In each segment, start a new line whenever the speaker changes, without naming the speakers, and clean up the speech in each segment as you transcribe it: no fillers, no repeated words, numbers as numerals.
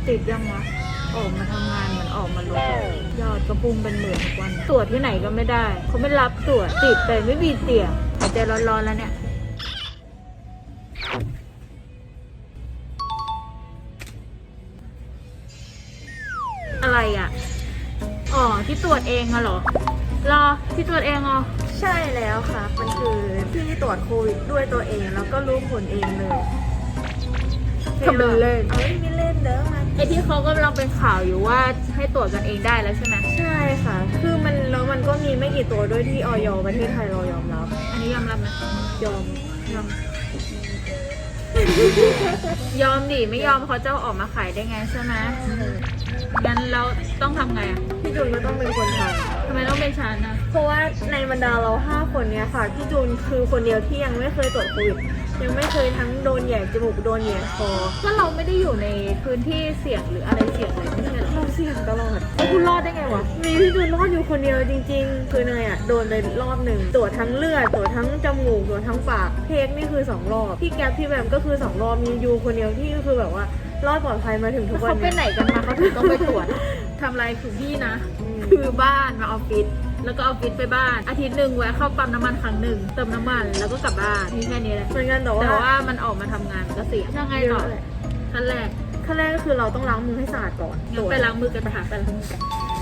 ติดยังวะออกมาทำงานเหมือนออกมาลดยอดกระพุ่งเป็นหมื่นทุกวันตรวจที่ไหนก็ไม่ได้เขาไม่รับตรวจติดแต่ไม่มีเตียงหายใจร้อนๆแล้วเนี่ยอะไรอ่ะอ๋อที่ตรวจเองอะเหรอรอที่ตรวจเองเหรอ
ใช่แล้วค่ะมันคือที่ตรวจโควิดด้วยตัวเองแล้วก็รู้ผลเองเลย
ทำเป็นเล่น
ไม่เล่นเด้อมัน
ไอที่เขากำลังเป็นข่าวอยู่ว่าให้ตรวจกันเองได้แล้วใช่ไหม
ใช่ค่ะคือมันก็มีไม่กี่ตัวด้วยที่อย.ประเทศไทยเรายอมรับ
อันนี้ยอมรับไหม
ยอม
ยอมดิไม่ยอมเขาจะออกมาขายได้ไงใช่ไหมงั้นเราต้องทำไงอ่ะ
พี่จูนก็ต้องเป็นคนท
ำไมต้องเป็นฉันนะ
เพราะว่าในบรรดาเรา5 คนเนี้ยค่ะพี่จูนคือคนเดียวที่ยังไม่เคยตรวจโควิดยังไม่เคยทั้งโดนแหย่จมูกโดนแหย่คอ
ก็เราไม่ได้อยู่ในพื้นที่เสี่ยงหรืออะไรเสี่ยงเลยไม่ใช่หรอ
เราเสี่ยงตลอด
แล้วคุณรอดได้ไงวะ
มีพี่จูนรอดอยู่คนเดียวจริงๆคือเนยอ่ะโดนไปรอบหนึ่งตรวจทั้งเลือดตรวจทั้งจมูกตรวจทั้งปากเทคนี่คือ2 รอบพี่แก๊ปพี่แบมก็คือ2 รอบมียูคนเดียวที่คือแบบว่ารอดปลอดภัยมาถึงทุกวัน
เขาไปไหนกันมาเขาถึงต้องไปตรวจทำอะไรคือพี่นะคือบ้านมาออฟฟิศแล้วก็ออฟฟิศไปบ้านอาทิตย์หนึ่งแวะเข้าปั๊มน้ำมันครั้งหนึ่งเติมน้ำมันแล้วก็กลับบ้านมีแค่นี้แหละ
เหมือนกันแต่
ว่ามันออกมาทำงานก็เสี่ยงยังไงต่อขั้นแรก
ก็คือเราต้องล้างมือให้สะอาดก่อน
ไปล้างมือกันไปหาไปล้างมือกัน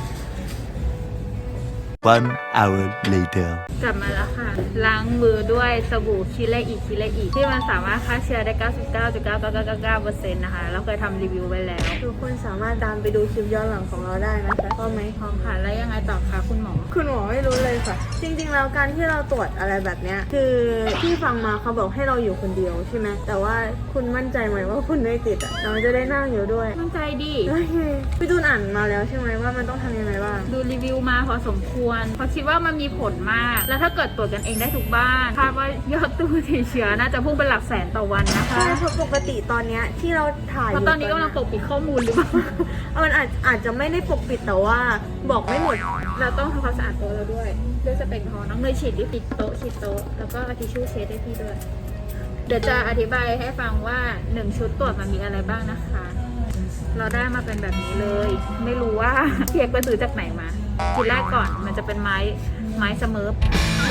1 hour later
กลับมาแล้วค่ะล้างมือด้วยสบู่คิเลอีที่มันสามารถฆ่าเชื้อได้ 99.9999% นะคะเราเคยทำรีวิวไว้แล้ว
ทุกคนสามารถตามไปดูคลิปย้อนหลังของเราได้นะคะพร้อมไหม
พร้อมค่ะแล้วยังไงต่อคะคุณหมอ
ไม่รู้เลยค่ะจริงๆแล้วการที่เราตรวจอะไรแบบเนี้ยคือที่ฟังมาเขาบอกให้เราอยู่คนเดียวใช่ไหมแต่ว่าคุณมั่นใจไหมว่าคุณไม่ติดอ่ะเราจะได้นั่งอยู่ด้วย
มั่นใจดิ
พี่จูนอ่านมาแล้วใช่ไหมว่ามันต้องทำยังไงบ้าง
ดูรีวิวมาพอสมควรเพราะคิดว่ามันมีผลมากแล้วถ้าเกิดตรวจกันเองได้ทุกบ้านคาดว่ายอดตู้ติดเชื้อน่าจะพุ่งเป็นหลักแสนต่อวันนะคะ
ใช่เพราะปกติตอนเนี้ยที่เราถ่าย
เพราะตอนนี้กำลังปกปิดข้อมูลหรือเปล่า
มันอาจจะไม่ได้ปกปิดแต่ว่าบอกไม่หมด
เราต้องทำความสะอาดโต๊ะเราด้วยสเปรย์พอน้องเนยฉีดที่ปิดโต๊ะแล้วก็ทิชชู่เช็ดให้พี่ด้วยเดี๋ยวจะอธิบายให้ฟังว่า1ชุดตรวจมันมีอะไรบ้างนะคะเราได้มาเป็นแบบนี้เลยไม่รู้ว่าเพียกไปซื้อจากไหนมาทีแรกก่อนมันจะเป็นไม้สเมิร์ฟ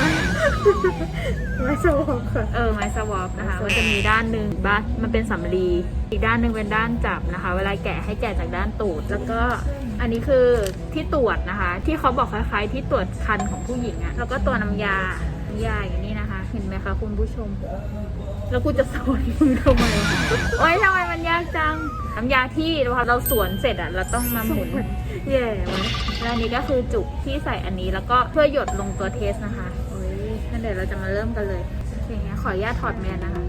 ไม้สวอปค่ะ
ไม้สวอปนะคะมันจะมีด้านหนึ่งมันเป็นสำลีอีกด้านหนึ่งเป็นด้านจับนะคะเวลาแกะให้แกะจากด้านตูดแล้วก็อันนี้คือที่ตรวจนะคะที่เขาบอกคล้ายๆที่ตรวจคันของผู้หญิงอะแล้วก็ตัวน้ำยาอย่างนี้นะคะเห็นไหมคะคุณผู้ชมแล้วกูจะสอนมึงทำไมโอ๊ยทำไมมันยากจังน้ำยาที่พอเราสวนเสร็จอะเราต้องมาหมุน
แย่ไหม
แล้วอันนี้ก็คือจุกที่ใส่อันนี้แล้วก็เพื่อหยดลงตัวเทสนะคะโอ้ยงั้นเดี๋ยวเราจะมาเริ่มกันเลยอย่างเงี้ยขออนุญาตถอดแมสนะคะ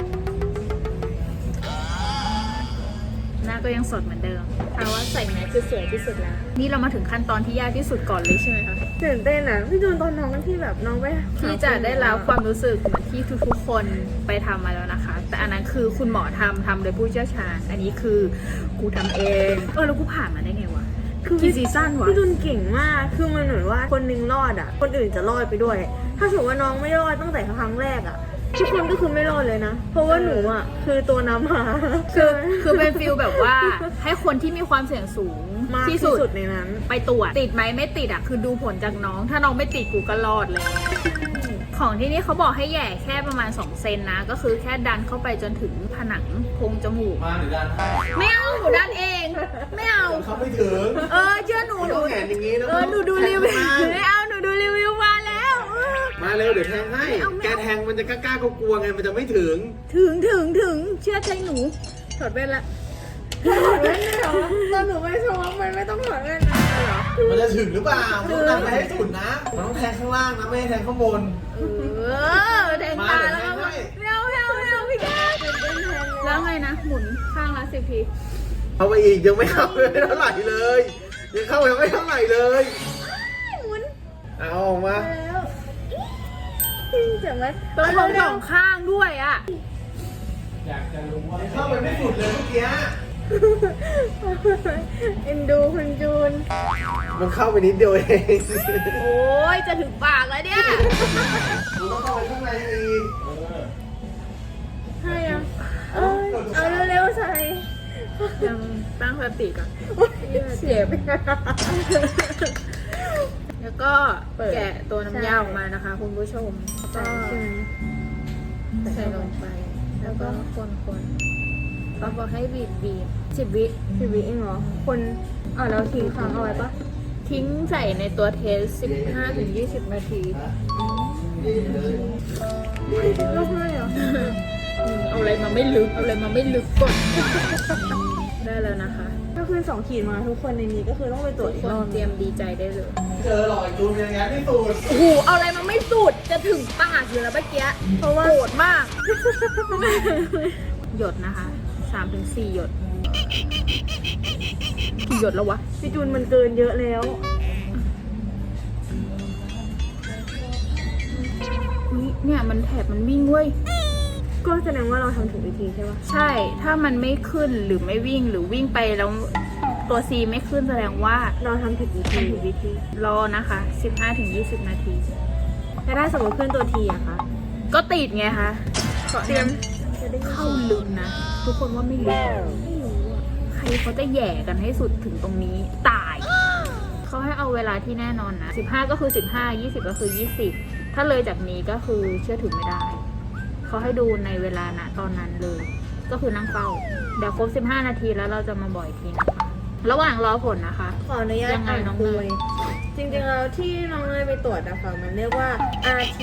หน้าก็ยังสดเหมือนเดิมเอาว่าใส่แมสคือสวยที่สุดแล้วนี่เรามาถึงขั้นตอนที่ยากที่สุดก่อนเลยใช่ไหมคะ
ตื่นเต้นอ่ะพี่จูนตอนน้องที่แบบน้องไป
ที่จะได้รับความรู้สึกเหมือนที่ทุกๆคนไปทำมาแล้วนะคะแต่อันนั้นคือคุณหมอทำโดยผู้เชี่ยวชาญอันนี้คือกูทำเองแล้วกูผ่านมาได้ไงวะคือกี่ซีซั่นวะ
พี่จูนเก่งมากคือมันเหมือนว่าคนนึงรอดอ่ะคนอื่นจะรอดไปด้วยถ้าสมมติว่าน้องไม่รอดตั้งแต่ครั้งแรกอ่ะทุกคนก็คือไม่รอดเลยนะเพราะว่าหนูอ่ะคือตัวนำมา
คือเป็นฟิลแบบว่าให้คนที่มีความเสี่ยงสูง
ที่สุดในนั้น
ไปตรวจติดไหมไม่ติดอ่ะคือดูผลจากน้องถ้าน้องไม่ติดกูก็รอดเลยของที่นี่เขาบอกให้แย่แค่ประมาณ2 เซนนะก็คือแค่ดันเข้าไปจนถึงผนังโพรงจมูก
มาหรือดัน
ไม่เอาหนูดันเองไม่เอา
เขาไม่ถึง
เชื่อหนู
แขนอย่างนี้
หนูดูรีวิวไม่เอาหนูดูรีวิวมาแล้ว
มาเร็วเดี๋ยวแทงให้แกแทงมันจะกล้ากลัวไงมันจะไม่ถึง
เชื่อใจหนูถอดแว่นละ
ถอดแว่นเหรอตอนหนูไปชมมันไม่ต้องถอดแว่นนะเหรอ
มันจะถึงหรือเปล่าต้องดันไปให้สุดนะมันต้องแทงข้างล่างนะไม่ให้แทงข้างบน
แทงตาแล้วก็ไม่เอาพี่แกแล้วไงนะหมุนข้างละ10 ที
เอาไปอีกยังไม่เข้าไม่เท่าไหร่เลยยังเข้ายังไม่เท่าไหร่เลย
หมุน
เอาออกมา
เจ็บไหม
ต้องลง2 ข้างด้วยอ่ะ
อยากจะรู้ว่าเข้าไปไม่สุดเลยเมื่อกี้
เอ็นดูคุณจูน
มันเข้าไปนิดเดียวเอง
โอ้ยจะถึงปากแล้วเนี่ย
มันต้องเข้าไปข้างในอีก
ให้เอาเร็วๆใส่
ยังตั้งสติก่อนเสียบแล้วก็แกะตัวน้ำยาออกมานะคะ คุณผู้ชม
ใช่ใช่ไหม
ใส่ลงไป แล้วก็คนเขาบอกให้บีบ10 วิ
10 วิเองเหรอคนเราทิ้งค้างเอาไว้ปะ
ทิ้งใส่ในตัวเทส 15-20 นาที
รอบเลยเหรอ
เอาอะไรมาไม่ลึกก่อน ได้แล้วนะคะ
ก็คือ2 ขีดมาทุกคนในนี้ก็คือต้องไปตรวจ
ทุ
อี
ก
ก
คน
รอบ
เตรียมดีใจได้เลย
เจอหล่อจูนอย่างนั้นที่สุด
โอ้โห เอาอะไรมาไม่สุด จะถึงปากอยู่แล้วเมื่อกี้ เพราะว่าโกรธมาก หยดนะคะ 3-4 หยด กี่หยดแล้ววะ
พี่จูนมันเกินเยอะแล้ว
อุ๊ยเนี่ยมันแถบมันวิ่งเว้ย
ก็แสดงว่าเราทำถูกวิธีใช่ปะ
ใช่ ถ้ามันไม่ขึ้นหรือไม่วิ่งหรือวิ่งไปแล้วตัว C ไม่ขึ้นแสดงว่า
เราทำผิดวิธี
รอนะคะ 15-20 นาที
แต่ถ้าสมมติขึ้นตัวทีอะคะ
ก็ติดไงคะ
เตรียม
เข้าลึกนะ ทุกคนว่าไม่ลึกไม่รู้อะใครเขาจะแหย่กันให้สุดถึงตรงนี้ ตาย เขาให้เอาเวลาที่แน่นอนนะ 15 ก็คือ 15 20 ก็คือ 20 ถ้าเลยจากนี้ก็คือเชื่อถือไม่ได้ เขาให้ดูในเวลานะตอนนั้นเลย ก็คือนั่งเฝ้า เดี๋ยวครบ 15 นาทีแล้วเราจะมาบ่อยทีนะคะ ระหว่างรอผลนะคะ
ขออนุญาต
ยังไง
อ่าน
น้อง
คุ
เน
ย
ย
จริงๆแล้วที่น้องเนยไปตรวจนะคะมันเรียกว่า RT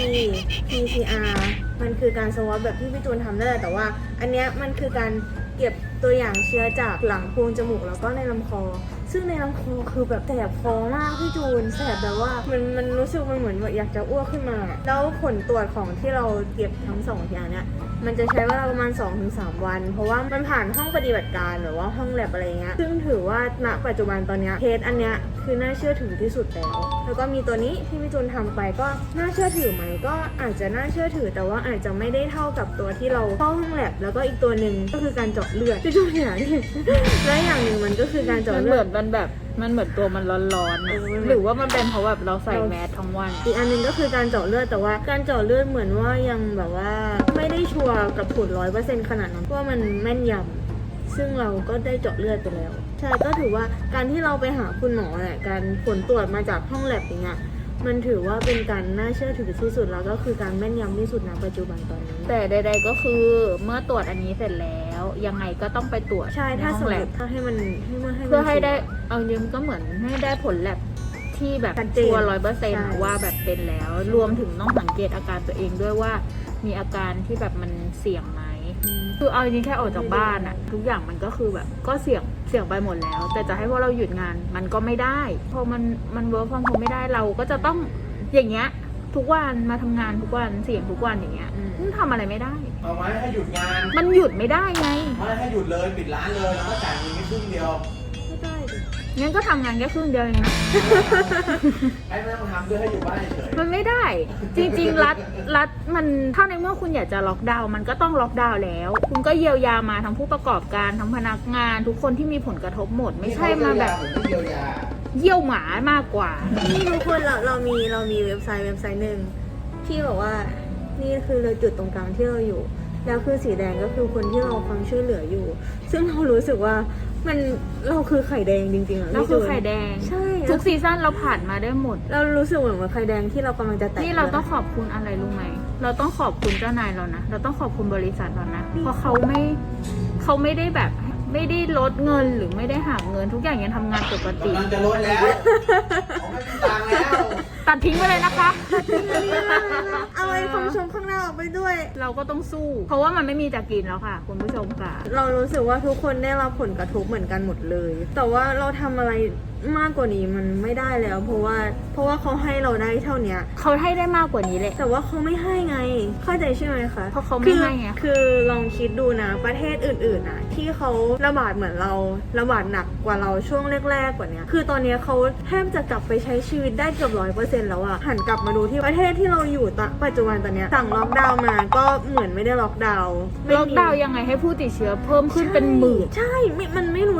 PCR มันคือการสวอปแบบที่พี่จูนทำได้แต่ว่า อันเนี้ยมันคือการเก็บตัวอย่างเชื้อจากหลังโพรงจมูกแล้วก็ในลำคอ ซึ่งในลำคอคือแบบแสบคอมากพี่จูนแสบแบบว่ามันรู้สึกมันเหมือนแบบอยากจะอ้วกขึ้นมา แล้วผลตรวจของที่เราเก็บทั้ง2อย่างเนี้ยมันจะใช้เวลาประมาณ 2-3 วัน เพราะว่ามันผ่านห้องปฏิบัติการหรือว่าห้องแลบอะไรเงี้ยซึ่งถือว่าณปัจจุบันตอนเนี้ยเทสอันเนี้ยคือน่าเชื่อถือที่สุดแล้ว แล้วก็มีตัวนี้ที่พี่จูนทำไปก็น่าเชื่อถือไหมก็อาจจะน่าเชื่อถือแต่ว่าอาจจะไม่ได้เท่ากับตัวที่เราเข้าห้องแลบแล้วก็อีกตัวหนึ่งก็คือการเจาะเลือดพี่จูนเนี่ยและอย่างหนึ่งมันก็คือการเจาะ
มัน
เลื
เหมื
อ
อ
ด
นมันแบบมันเหมือนตัวมันร้อนๆนะ
มัน
หรือว่ามันเป็นเพราะแบบเราใส่แมสทั้งวัน
อีกอันหนึงก็คือการเจาะเลือดแต่ว่าการเจาะเลือดเหมือนว่ายังแบบว่าไม่ได้ชัวร์กับผล100%ขนาดนั้นว่ามันแม่นยำซึ่งเราก็ได้เจาะเลือดไปแล้วใช่ก็ถือว่าการที่เราไปหาคุณหมอแหละการผลตรวจมาจากห้องแลบอย่างเงี้ยมันถือว่าเป็นการน่าเชื่อถือที่สุดแล้วก็คือการแม่นยำที่สุดณปัจจุบันตอนนี้
แต่ใดๆก็คือเมื่อตรวจอันนี้เสร็จแล้วยังไงก็ต้องไปตรวจ
ใช่ถ้า
ใน
ส
ห้
ม
อง
ม
แลบ
ติถ้าให้มัน
เพื่อให้ได้เอาจริงๆก็เหมือนให้ได้ผลแลบที่แบบ
ชัดเจน
ชัวร์
ใช่
100%ว่าแบบเป็นแล้ว รวมถึงต้องสังเกตอาการตัวเองด้วยว่ามีอาการที่แบบมันเสี่ยงไหมคือเอาจริงๆแค่ออกจากบ้านอะทุกอย่างมันก็คือแบบก็เสี่ยงไปหมดแล้ว แต่จะให้พวกเราหยุดงานมันก็ไม่ได้พอมันเวิร์กฟอร์มโฮมไม่ได้เราก็จะต้องอย่างเงี้ยทุกวันมาทำงานทุกวันเสี่ยงทุกวันอย่างเงี้ยทำอะไรไม่ได้
เอาไหมให้หยุดงาน
มันหยุดไม่ได้ไง
ไม่ให้หยุดเลยปิดร้านเลยแล้วก็จ่ายเงินแค่ครึ่งเดียว
ไม่ได้ดิ
งั้นก็ทำงานแค่ครึ่งเดียวเองนะ
ให้ไม่ต้องทำด้วยให้อยู่บ้านเฉย
มันไม่ได้ จริงๆรัฐมันถ้าในเมื่อคุณอยากจะล็อกดาวน์มันก็ต้องล็อกดาวน์แล้ว คุณก็เยียวยามาทั้งผู้ประกอบการทั้งพนักงาน ทุกคนที่มีผลกระทบหมด ไม่ใช่มาแบบ
เหมือนที่เยียวยา
เยี่ยวหมามากกว่า
นี่ทุกคนเรามีเว็บไซต์หนึ่งที่บอกว่านี่คือเราจุดตรงกลางที่เราอยู่ แล้วคือสีแดงก็คือคนที่เราความช่วยเหลืออยู่ ซึ่งเรารู้สึกว่าเราคือไข่แดงจริงๆอะ
เราคือไข่แดง
ใช่
ทุกซีซั่นเราผ่านมาได้หมด
เรารู้สึกเหมือนว่าไข่แดงที่เรากำลังจะแตะ
นี่เราต้องขอบคุณอะไรรู้ไหม เราต้องขอบคุณเจ้านายเรานะ เราต้องขอบคุณบริษัทเรานะ เพราะเขาไม่ได้แบบไม่ได้ลดเงินหรือไม่ได้หักเงินทุกอย่างยังทำงานปกติ
กำลังจะลดแล้วผมไม่มีตังค์แล้ว
ตัดทิ้งไปเลยนะคะ
เอาไอ้คำชมข้างหน้าออกไปด้วย
เราก็ต้องสู้ เพราะว่ามันไม่มีจะกินแล้วค่ะ คุณผู้ชมค่ะ
เรารู้สึกว่าทุกคนได้รับผลกระทบเหมือนกันหมดเลย แต่ว่าเราทำอะไรมากกว่านี้มันไม่ได้แล้ว เพราะว่าเขาให้เราได้เท่าเนี้ย
เขาให้ได้มากกว่านี้แหละ
แต่ว่าเขาไม่ให้ไง เข้าใจใช่ไหมคะ
เพราะเขาไม่ให้ไง
คือลองคิดดูนะ ประเทศอื่นๆนะที่เขาระบาดเหมือนเราระบาดหนักกว่าเราช่วงแรกๆกว่านี้คือตอนนี้เขาแทบจะกลับไปใช้ชีวิตได้เกือบ100%แล้วอะหันกลับมาดูที่ประเทศที่เราอยู่ปัจจุบันตอนนี้สั่งล็อกดาวน์มาก็เหมือนไม่ได้ล็อกดาวน์ไม่มี
ล็อกดาวน์ยังไงให้ผู้ติดเชื้อเพิ่มขึ้นเป็นหมื่น
ใช่มันไม่รู้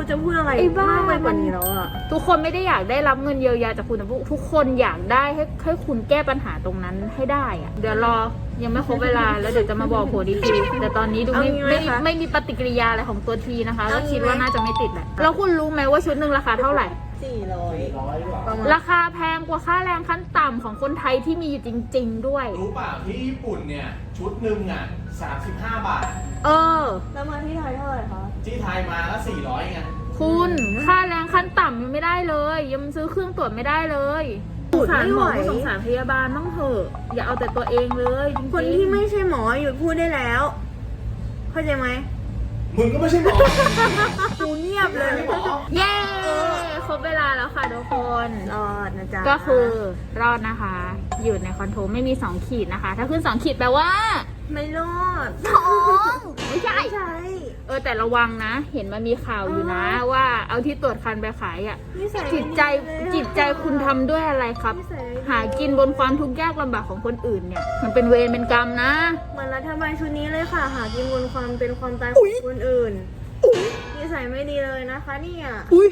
รู้จะพูดอะไร
ไอ้บ้าม
ากไปกว่านี้แล้วอะ
ทุกคนไม่ได้อยากได้รับเงินเยียวยาจากคุณแต่ทุกคนอยากได้ให้คุณแก้ปัญหาตรงนั้นให้ได้อะเดี๋ยวรอยังไม่ครบเวลาแล้วเดี๋ยวจะมาบอกผลอีกทีแต่ตอนนี้ดูไม่มีปฏิกิริยาอะไรของตัวทีนะคะก็คิดว่าน่าจะไม่ติดแหละแล้วคุณรู้ไหมว่าชุดหนึ่งราคาเท่าไหร่
400ประมาณ
ราคาแพงกว่าค่าแรงขั้นต่ำของคนไทยที่มีอยู่จริง ๆ ด้วย
รู้เปล่าที่ญี่ปุ่นเนี่ย ชุดหนึ่งอ่ะ35 บาท
เออ
แล้วมาที่ไทยเท่าไหร่คะ
ที่ไทยมาแล้ว400ไง
คุณค่าแรงขั้นต่ำยังไม่ได้เลยยังซื้อเครื่องตรวจไม่ได้เลยสงสารหมอสงสารพยาบาลบ้างเถอะอย่าเอาแต่ตัวเองเลยจริงๆ
คนที่ไม่ใช่หมอหยุดพูดได้แล้ว เข้าใจไหม
มึงก็ไม่ใช่หมอ
กูเงียบเลย
ไม่ใช่หมอ
เย้ครบเวลาแล้วค่ะทุกคน
รอดนะจ๊ะ
ก็คือรอดนะคะ อยู่ในคอนโทรลไม่มี2ขีดนะคะ ถ้าขึ้น2ขีดแปลว่า
ไม่รอด
ท้องไม่ใช่
ใช่
แต่ระวังนะ เห็นมันมีข่าวอยู่นะ ว่าเอาที่ตรวจคันไปขายอ่ะ
นิสัย
จิตใจคุณทำด้วยอะไรครับ
นิสัย
หากินบนความทุกข์ยากลำบากของคนอื่นเนี่ย มันเป็นเวรเป็นกรรมนะ
เหมือนรัฐบาลชุดนี้เลยค่ะ หากินบนความเป็นความตายของคนอื่นนิสัยไม่ดีเลยนะคะเนี่ย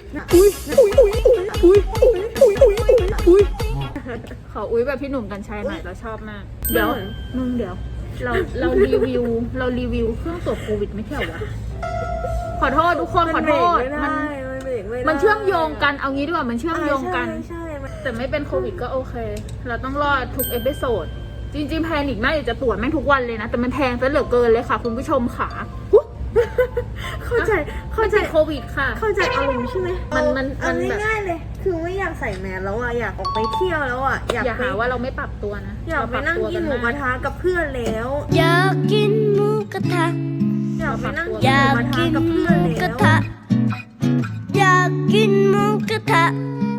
ขออุ้ยแบบพี่หนุ่มกัญชัยหน่อยเราชอบมาก เดี๋ยวมึงเดี๋ยว เรารีวิวเครื่องตรวจโควิดไม่ใช่เหรอวะขอโทษทุกคนขอโทษ
มันเบรกไม่ได้
มันเชื่อมโยงกันเอางี้ดีกว่ามันเชื่อมโยงกัน
ใช่มัน
แต่ไม่เป็นโควิดก็โอเค เราต้องรอดทุกเอพิโซดจริงๆแพนิคมากอยากจะตรวจแม่งทุกวันเลยนะ แต่มันแพงซะเหลือเกินเลยค่ะ คุณผู้ชมค่ะ
เข้าใจ
โควิดค่ะ
เข้าใจอารมณ์ใช่ไหม
มัน
เอา
แบบ
ง่ายๆเลย คือไม่อยากใส่แมสแล้วอ่ะ อยากออกไปเที่ยวแล้วอ่ะ
อย่าหาว่าเราไม่ปรับตัวนะ
อยากไปนั่งกินหมูกระทะกับเพื่อนแล้ว
อยากกินหมูกระทะ
อยากไปนั่ง
อ
กินห
ยา
มู
ก
กระทะ
กิน
กับ
ห
เพื่
มู
อน
กระ
แล้ว
ทะ อยากกินหมูกระทะ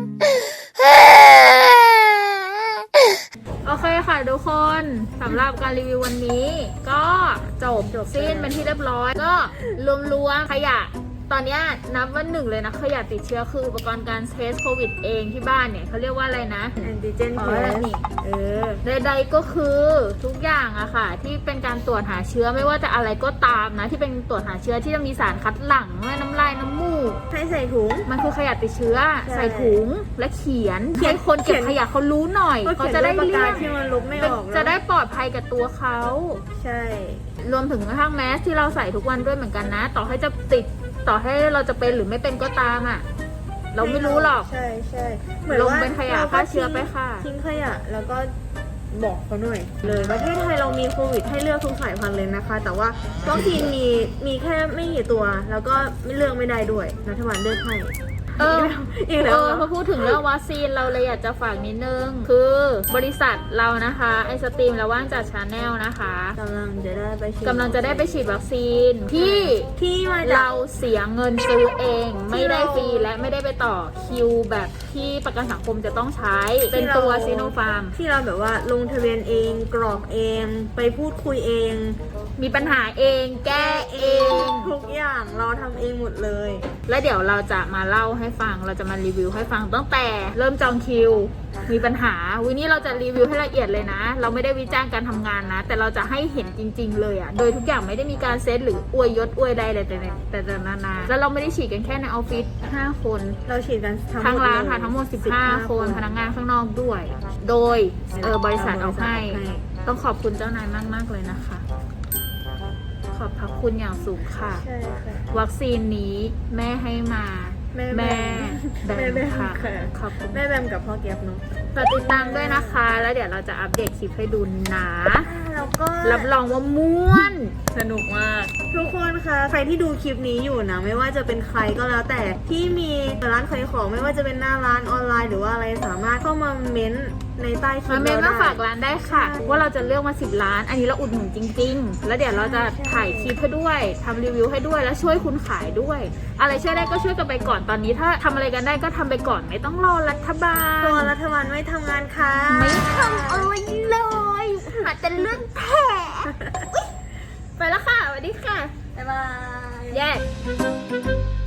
โอเคค่ะทุกคนสำหรับการรีวิววันนี้ ก็จบสิ้นเป็นที่เรียบร้อย ก็รวมๆขยะ ตอนนี้นับว่าหนึ่งเลยนะขยะติดเชื้อคืออุปกรณ์การเทสโควิดเองที่บ้านเนี่ยเขาเรียกว่าอะไรนะ
แอนติเจน
อ๋
เท
อ
ส
นี่ใดๆก็คือทุกอย่างอะค่ะ ที่เป็นการตรวจหาเชื้อไม่ว่าจะอะไรก็ตามนะ ที่เป็นตรวจหาเชื้อที่จะมีสารคัดหลั่งไม่น้ำลายน้ำมูก
ให้ใส่ถุง
มันคือขยะติดเชื้อ
ใช่
ใส่ถุงและเขียนให้คนเก็บขยะเขารู้หน่อย
ก็
เขา
เขียน
จะ
ด้
ได้
วยปาก
เลี่
กาย
ง
ที่มันลบไม่ออก
จะได้ปลอดภัยกับตัวเขา
ใช่
รวมถึงกระทั่งแมสที่เราใส่ทุกวันด้วยเหมือนกันนะ ต่อให้จะติดต่อให้เราจะเป็นหรือไม่เป็นก็ตามอ่ะ เราไม่รู้หรอก
ใช่ใช่
ลงเป็นขยะฆ่าเชื้อไปค่ะ
ทิ้งขยะแล้วก็บอกเขาหน่อยเลยประเทศไทยเรามีโควิดให้เลือกทุกสายพันธุ์เลยนะคะ แต่ว่าวัคซีนมีแค่ไม่กี่ตัว แล้วก็ไม่เลือกไม่ได้ด้วยรัฐบาลเลือกให้ อีกแล้ว
พอพูดถึงเรื่องวัคซีนเราเลยอยากจะฝากนิดนึง คือบริษัทเรานะคะไอสตรีมและว่างจัดชาแนลนะคะ
กำลังจะได้ไปฉีด
กำลังจะได้ไปฉีดวัคซีนที่
มาจาก
เราเสียเงินซื้อเอง ไม่ได้ฟรีและไม่ได้ไปต่อคิวแบบที่ประกันสังคมจะต้องใช้ เป็นตัวซีโนฟาร์ม
ที่เราแบบว่าลงทะเบียนเองกรอกเองไปพูดคุยเอง
มีปัญหาเองแก้เอง
ทุกอย่างเราทำเองหมดเลย
แล้วเดี๋ยวเราจะมาเล่าให้ฟังเราจะมารีวิวให้ฟังตั้งแต่เริ่มจองคิว มีปัญหาวันนี้เราจะรีวิวให้ละเอียดเลยนะ เราไม่ได้วิจารณ์การทำงานนะ แต่เราจะให้เห็นจริง ๆ เลยอะโดยทุกอย่างไม่ได้มีการเซตหรืออวยยศอวยใดเลยแต่นาแล้วเราไม่ได้ฉีดกันแค่ในออฟฟิศ5 คน
เราฉีดกันทั้งหมด
ทั้งร้าน
เลย
ค่ะทั้งหมด15 คนพนักงานข้างนอกด้วย โดยบริษัทเอาให้ ต้องขอบคุณเจ้านายมากๆเลยนะคะ ขอบพระคุณอย่างสูงค่ะ
ใช่ค่ะ
วัคซีนนี้แม่ให้มา
แม่
แม่
แม่แบม
ค่ะ
ค่ะ
ขอบคุณ
แม่แบมกับพ่อแก๊ปเนาะ
ฝากติดตามด้วยนะคะ แล้วเดี๋ยวเราจะอัปเดตคลิปให้ดูนะ
แล้วก็
รับรองว่าม่วน สนุกมาก
ทุกคนคะใครที่ดูคลิปนี้อยู่นะ ไม่ว่าจะเป็นใครก็แล้วแต่ที่มีร้านขายของไม่ว่าจะเป็นหน้าร้านออนไลน์หรือว่าอะไรสามารถเข้ามาเม้นต์ในใต้คลิ
มา
ป
เมน
เรา
มา
ได้
ฝากร้านได้ค่ะ ว่าเราจะเลือกมา10 ล้าน อันนี้เราอุดหนุนจริง ๆ แล้วเดี๋ยวเราจะถ่ายคลิปให้ด้วยทำรีวิวให้ด้วยแล้วช่วยคุณขายด้วย อะไรช่วยได้ก็ช่วยกันไปก่อนตอนนี้ถ้าทำอะไรกันได้ก็ทำไปก่อนไม่ต้องรอรัฐบาล
ตัวรัฐบาลไม่ทำงานค่ะ
ไม่ทำอะไรเลยหาแต่เรื่องแผลไปแล้วค่ะสวัสดีค่ะ
บ๊ายบาย
แยก